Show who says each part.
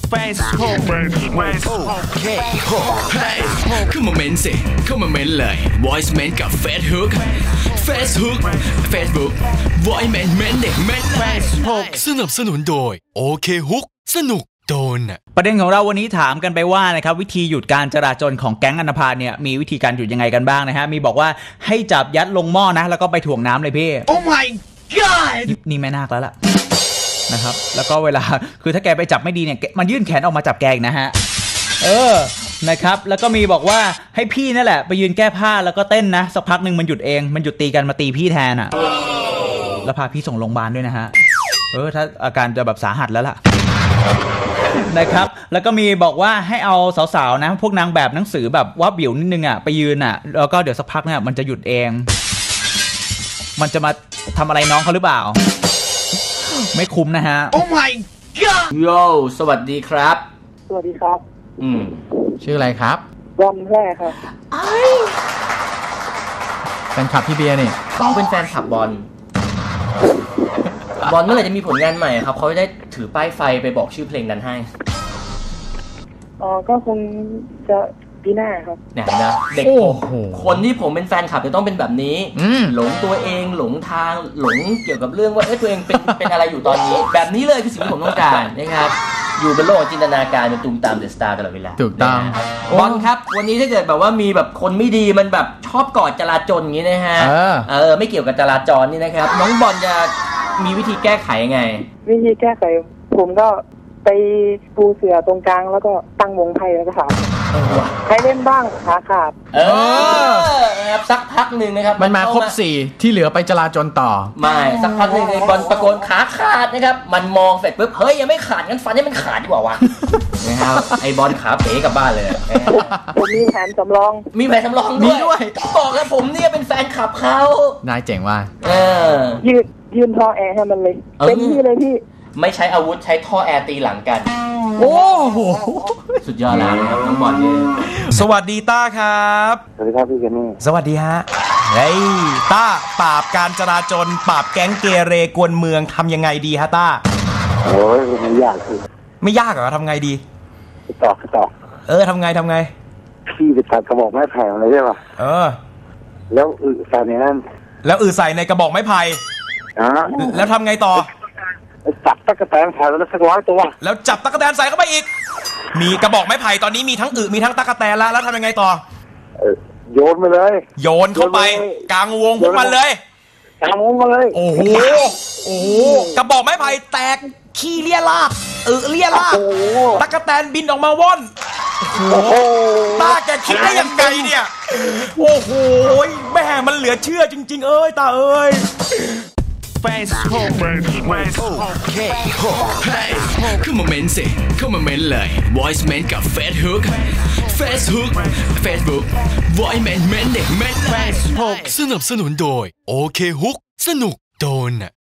Speaker 1: Facebook
Speaker 2: เข้ามาเม้นสิเข้ามาเม้นเลย Voice เม้นกับ Facebook Voice เม้นเม้นเด็กเม้น
Speaker 1: Facebook
Speaker 2: สนับสนุนโดยโอเคฮุกสนุกโดน
Speaker 3: ประเด็นของเราวันนี้ถามกันไปว่านะครับวิธีหยุดการจราจรของแก๊งอันธพาลเนี่ยมีวิธีการหยุดยังไงกันบ้างนะฮะมีบอกว่าให้จับยัดลงหม้อนะแล้วก็ไปถ่วงน้ำเลยพี่
Speaker 1: Oh my god
Speaker 3: นี่แม่นาคแล้วล่ะนะครับแล้วก็เวลาคือถ้าแกไปจับไม่ดีเนี่ยมันยื่นแขนออกมาจับแกอีกนะฮะนะครับแล้วก็มีบอกว่าให้พี่นั่นแหละไปยืนแก้ผ้าแล้วก็เต้นนะสักพักนึงมันหยุดเองมันหยุดตีกันมาตีพี่แทนอ่ะแล้วพาพี่ส่งโรงพยาบาลด้วยนะฮะถ้าอาการจะแบบสาหัสแล้วล่ะนะครับแล้วก็มีบอกว่าให้เอาสาวๆนะพวกนางแบบหนังสือแบบว่าบิวนิดนึงอ่ะไปยืนอ่ะแล้วก็เดี๋ยวสักพักเนี่ยมันจะหยุดเองมันจะมาทำอะไรน้องเขาหรือเปล่าไม่คุ้มนะฮะ
Speaker 1: Oh my god
Speaker 4: โยสวัสดีครับ
Speaker 5: สวัสดีครับ
Speaker 4: ชื่ออะไรครับ
Speaker 5: บอลแรกครับ
Speaker 4: แฟนคลับพี่เบียร์นี่เขาเป็นแฟนคลับบอลเมื่อไหร่จะมีผลงานใหม่ครับเขาจะได้ถือป้ายไฟไปบอกชื่อเพลงนั้นให้
Speaker 5: ก็คงจะปีหน้าครับ
Speaker 4: เนี่ยนะเด็กคนที่ผมเป็นแฟนคลับจะต้องเป็นแบบนี้หลงตัวเองหลงทางหลงเกี่ยวกับเรื่องว่าตัวเองเป็นอะไรอยู่ตอนนี้แบบนี้เลยคือสิ่งที่ผมต้องการนะครับอยู่บนโลกจินตนาการเป็นตูมตามเดอะสตาร์ตลอดเวลา
Speaker 6: ถูกต้อง
Speaker 4: บอลครับวันนี้ถ้าเกิดแบบว่ามีแบบคนไม่ดีมันแบบชอบกอดจราจรอย่างนี้นะฮะไม่เกี่ยวกับจราจรนี่นะครับน้องบอลจะมีวิธีแก้ไขยังไง
Speaker 5: วิธีแก้ไขผมก็ไปปูเสื่อตรงกลางแล้วก็ตั้งวงไพ่แล้วก็ถามใครเล่นบ้างขาขาด
Speaker 4: ครับสักพักหนึ่งนะครับ
Speaker 6: มันมาครบ4ที่เหลือไปจราจรต่อ
Speaker 4: ไม่สักพักหนึ่งบอลตะโกนขาขาดนะครับมันมองเสร็จปุ๊บเฮ้ยยังไม่ขาดงั้นฟันให้มันขาดดีกว่าวะนะครับไอ้บอลขาเป๋กลับบ้านเลย
Speaker 5: ผมมีแผนสำรอง
Speaker 4: ด้วยบอกแล้วผมเนี่ยเป็นแฟนคลับเขา
Speaker 6: นายเจ๋งว่า
Speaker 5: ยืนท่อแอร์ให้มันเลยเต็มที่เลยพี่
Speaker 4: ไม่ใช้อาวุธใช้ท่อแอร์ตีหลังกัน
Speaker 6: โอ้โห
Speaker 4: สุดยอดแล้วครับน้องบอลเนี่ย
Speaker 6: สวัสดีต้าครับ
Speaker 5: สวัสดีครับพี่เจนนี่
Speaker 6: สวัสดีฮะเฮ้ยต้าปราบการจราจรปราบแก๊งเกเรกวนเมืองทำยังไงดีฮะต้า
Speaker 5: โอ้ยไม่ยากคือ
Speaker 6: ไม่ยากเหรอทำไงดี
Speaker 5: ต่อ
Speaker 6: ทำไง
Speaker 5: พี่ไปตัดกระบอกไม้ไผ่อะไรใช่ป่ะแล้วใส่ในนั้น
Speaker 6: แล้วใส่ในกระบอกไม้ไผ่แล้วทำไงต่อ
Speaker 5: จับตะกั่วแตนใส่แล้วสัก100ตัว
Speaker 6: แล้วจับตะกั่วแตนใส่เข้าไปอีกมีกระบอกไม้ไผ่ตอนนี้มีทั้งมีทั้งตะกั่วแตนแล้วทำยังไงต่อ
Speaker 5: โยนไปเลย
Speaker 6: โยนเข้าไปกลางวงพวกมันเลย
Speaker 5: กลางวงมาเลย
Speaker 6: โอ้โหกระบอกไม้ไผ่แตกขี้เลี่ยราดเลี่ยราดตะกั่วแตนบินออกมาว่อนโอ้โหตาแกคิดได้ยังไงเนี่ยโอ้โหแม่มันเหลือเชื่อจริงๆตา
Speaker 1: Facebook
Speaker 2: เข้ามาเม้นสิเข้ามาเม้นเลย Voice เม้นกับ Facebook Voice เม้นเด็กเม้น
Speaker 1: Facebook
Speaker 2: สนับสนุนโดยโอเคฮุกสนุกโดน